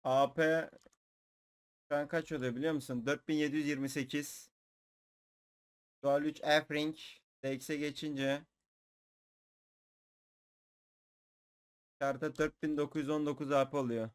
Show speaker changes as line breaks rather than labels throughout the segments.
AP şu an kaç oluyor biliyor musun? 4728. Dual 3 F-Ring. DX'e geçince karta 4919 AP oluyor.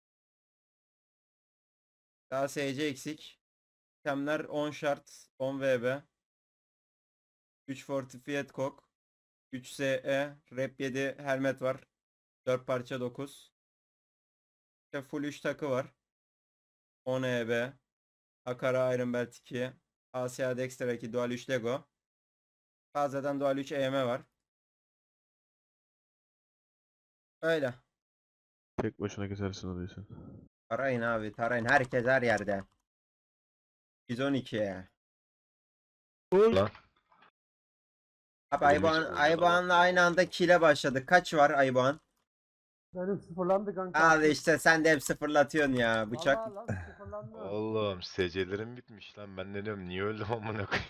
Daha SC eksik. Temler 10 şart, 10 VB. 3 Fortified Kok. 3 SE. Rep 7 helmet var. 4 parça 9. İşte full 3 takı var. 10 EB. Akara Iron Belt 2. ASA Dexter 2. Dual 3 Lego. Fazladan Dual 3 EM var. Öyle.
Tek başına kesersin o diyorsun.
Tarayın abi tarayın. Herkes her yerde. 112.
Lan.
Abi
Oğlum hiç
Ayboğan'la aynı anda kile başladık. Kaç var Ayboğan?
Benim sıfırlandı kanka.
Al işte sen de hep sıfırlatıyorsun ya. Bıçak.
Vallahi lan sıfırlandı.
Oğlum SC'lerim bitmiş lan. Ben ne diyorum niye öldüm amına koyayım.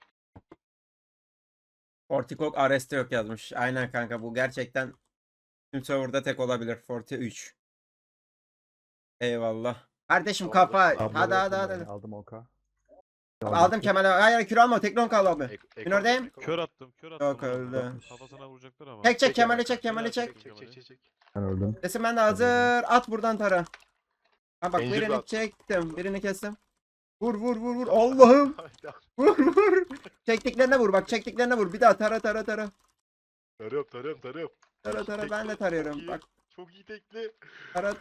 Fortikok Arrest'te yok yazmış. Aynen kanka bu gerçekten tüm serverda tek olabilir. Forti 3. Eyvallah. Kardeşim kafa. Hadi.
Aldım oka.
Aldım Kemal'e. Hayır kür alma. Teknon kal abi. Minördeyim.
Kör attım, kör attım.
Yok, öldü.
Kafasına vuracaklar ama.
Çek Kemal'i çek Kemal'i çek.
Çek.
Ben öldüm.
Desin ben de hazır. At buradan tara. Ha bak
Zincir
birini
at.
çektim. Birini kestim. Vur. Allah'ım. Vur. Çektiklerine vur bak çektiklerine vur. Bir daha tara.
Tarıyorum.
Tara ben de tarıyorum. Bak
Çok iyi tekli.
tara.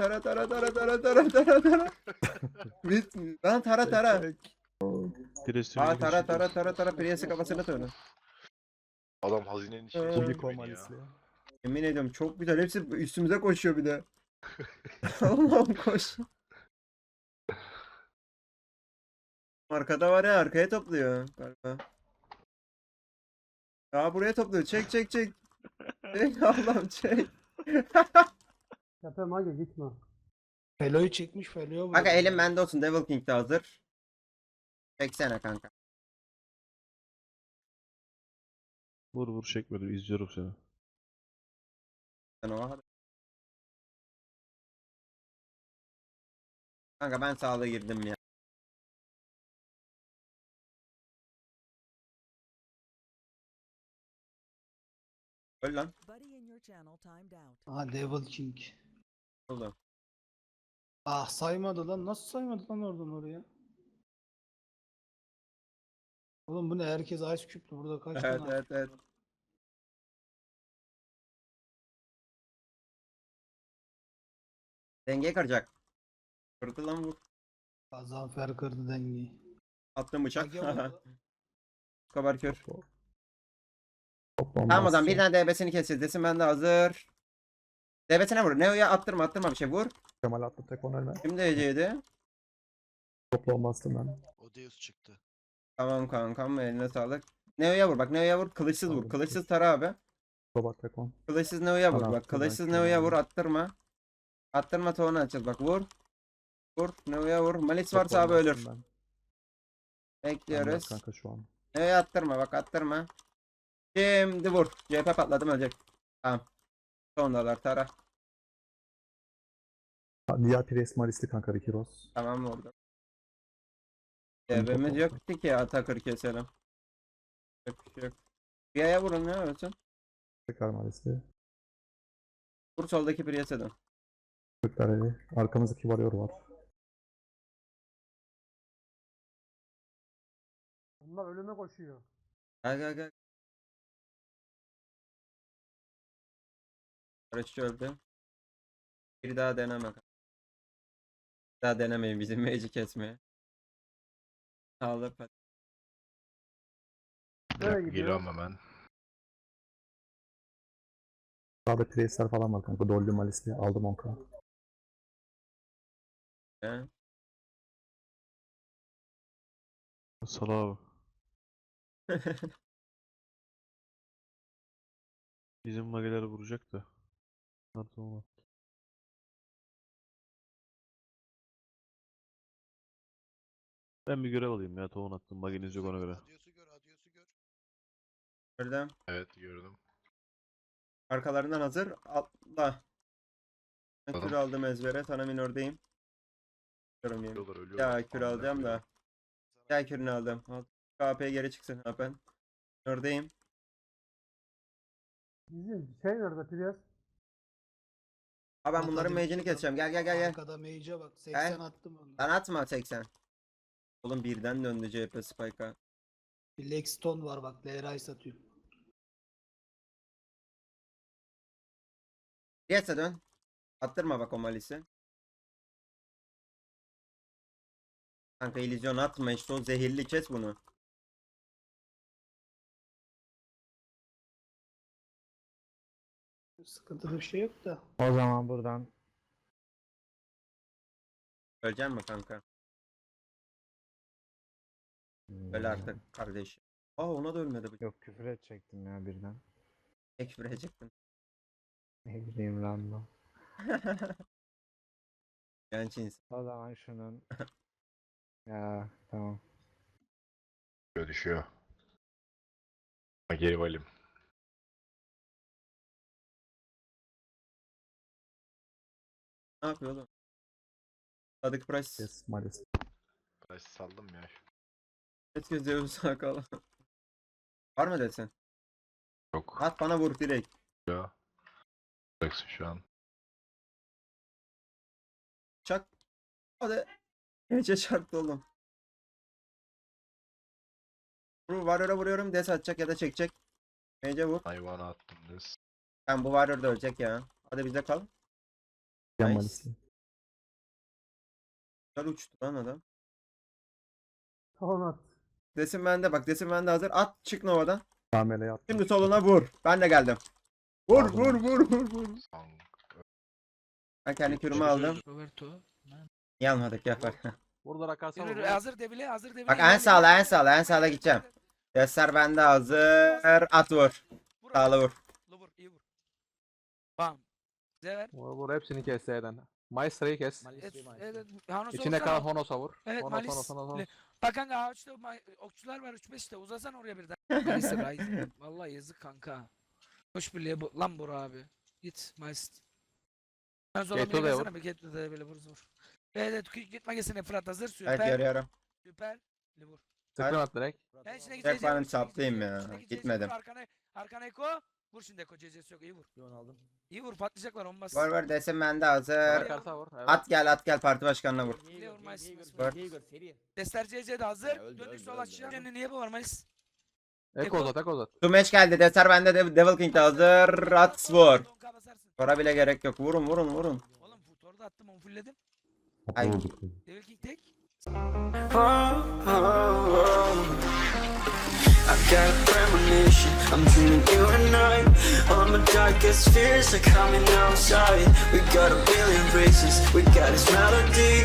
Bit. Lan tara.
Presi
Aa tara. Priyesi kafasına tara.
Adam hazinenin içine
Ee,
girdi
Unicorn
beni ya.
Malisli.
Yemin ediyorum çok güzel. Hepsi üstümüze koşuyor bir de. Allah'ım koş. Arkada var ya arkaya topluyor galiba. Aa buraya topluyor. Çek. Çek Allah'ım çek.
Tepe mage gitme.
Felo'yu çekmiş, Felo'ya
Kanka elim bende olsun. Devil King de hazır. Çeksene kanka.
Vur çekmedim, izliyorum seni.
Sen o hadi. Kanka ben sağlığa girdim ya. Öl lan.
Aha Devil King.
Oldu.
Ah saymadı lan. Nasıl saymadı lan oradan oraya? Oğlum bu ne? Herkes Ice Cube'lu. Burada kaç tane Ice
Evet.
Cube var?
Dengeye kıracak. Kırdı lan vur.
Gazanfer kırdı dengeyi.
Attım bıçak.
Mage vurdu.
Kabar kör.
Toplam
Tamam o zaman bir
basacağım.
tane DB'sini keseceğiz. Desin ben de hazır. DB'sine vur. Neo'ya attırma bir şey vur.
Kemal attı tek on ölme.
Kim DC'ydi?
Toplam bastım ben.
Odeus çıktı.
Tamam kankam eline sağlık. Neo'ya vur bak Neo'ya vur. Kılıçsız vur.
Aldım.
Kılıçsız tara abi.
Robot tek on.
Kılıçsız Neo'ya vur
Bana
bak.
attı, ben
Kılıçsız
kör
Neo'ya vur
oldum.
attırma. Attırma toğunu açacağız bak vur. Vur Neo'ya vur. Malis varsa
Toplam
abi ölür.
bastım ben.
Bekliyoruz.
Ben yok kanka şu an.
Neo'ya attırma bak attırma. Şimdi vur. CHP patladım ölecek. Tamam. Sondalar tara.
Diğer Pires Malisli kanka Ricky Ross.
Tamam vurdu.
Benim
DB'miz
toplam.
yoktu ki Atakır keselim. Yok. Bir aya vurun ne ölsün.
Tekrar Malisli.
Vur soldaki Priest'e dön.
Türkler evi. Arkamızdaki Warrior var.
Bunlar ölüme koşuyor.
Gel. Barışçı öldü. Bir daha deneme. Bir daha denemeyin bizim mage'i kesmeye. Sağlık.
Nereye gidiyor?
Geliyorum hemen.
Sağda Priestler falan var kanka. Dolly Malisli. Aldım 10k.
He.
Sala abi. Bizim mageler vuracak da. Tamam. Ben bir görev alayım ya. Tohum attım. Mageniz yok ona göre.
Adios'u gör.
Gördüm.
Evet gördüm.
Arkalarından hazır. Atla. Ben kür
Aldım.
aldım ezbere. Sana minördeyim. Diyorum yani.
Ölüyorlar ölüyorlar.
Ya kür alacağım da. Gel kürünü aldım. Al. KP'ye geri çıksın Hapen. Oradayım.
Bizim şey nerede Priyas?
Abi ben
Ata
bunların
demiş
mage'ini
adam.
keseceğim. Gel gel gel gel.
Arkada mage'e bak. 80 attım onu.
Sen atma 80. Oğlum birden döndü CHP Spike'a.
Bir Lexstone var bak. Leray satıyor.
Geçse dön. Attırma bak o malisi. Kanka illüzyon atma işte, o zehirli, kes bunu.
Sıkıntılı bir şey yok da.
O zaman buradan
Ölecek mi kanka? Öyle artık kardeşim. Aa ona da ölmedi bu.
Yok, küfür edecektim ya birden.
Tek verecektin.
Ne bileyim random.
Genç insan.
O zaman şunun ya tamam.
Düşüyor. Ha, geri valim.
Ne yapıyor oğlum? Sadık Price.
Yes, maalesef.
Ben saldım ya.
Herkes diyor sakal. Var mı desen?
Yok.
At bana vur direkt.
Ya. Bıraksın şu an.
Çak. Hadi. Gece çarptı oğlum. Warrior'a vuruyorum. Des atacak ya da çekecek. Gece vur.
Hayvana attım biz.
Ben bu Warrior da ölecek ya. Hadi bizde kal.
Yan
Nice.
malisli.
Güzel uçtu lan adam.
Tamam at.
Desin bende bak. Desin bende hazır. At çık Nova'dan.
Kamele attım.
Şimdi soluna vur. Ben de geldim. Vur
Aldım.
vur vur vur vur.
Sang.
Ben kendi kürümü aldım.
Roberto.
Niye almadık ya bak.
Burada rakasa
Yürü,
var.
yürü, hazır devile, hazır devile.
Bak en sağla en sağla en sağla gideceğim. Deser bende hazır. At vur. Sağla vur.
Vur, iyi vur. Bam. Bize ver.
Vur hepsini kes Z'den. Maestra'yı kes.
Evet, Hanos
İçine
olsana.
kalan Honos'a vur.
Evet,
Honos,
Malis.
Honos, Honos, Honos.
Bak kanka ağaçta okçular var 3-5 işte uzasan oraya birden. Neyse Rise. Vallahi yazık kanka. Hoş birliğe lan Bora abi. Git Maist. Ben sonra
Geto
bir
da
gelsene
vur.
bir Geto da böyle vur. Evet gitme gelsene Fırat hazır
Evet
süper.
görüyorum.
Süper. Vur.
Sıkın at direkt.
Ben içine
Tek
CC
ben
vur,
saplayayım
içine
ya,
CC vur,
gitmedim.
Arkana Eko. Vur şimdi Eko CC'si yok iyi vur.
aldım.
İyi vur patlayacaklar olmaz.
Var var desin bende hazır.
Rakarsa vur. Evet.
At gel parti başkanına vur. Var.
Destler CC de hazır.
öldü,
Döndük
öldü,
sol
öldü,
aşağı.
öldü.
Niye bu var Malis?
Eko uzat, Eko uzat.
Şu match geldi. Deser bende Devil King de hazır. At vur. Sonra bile gerek yok. Vurun vurun vurun.
Oğlum Futor'u da attım onu fullledim.
Ay.
Devil King tek.
I've got a premonition, I'm dreaming you and I. All my darkest fears are coming outside. We got a billion races, we got this melody.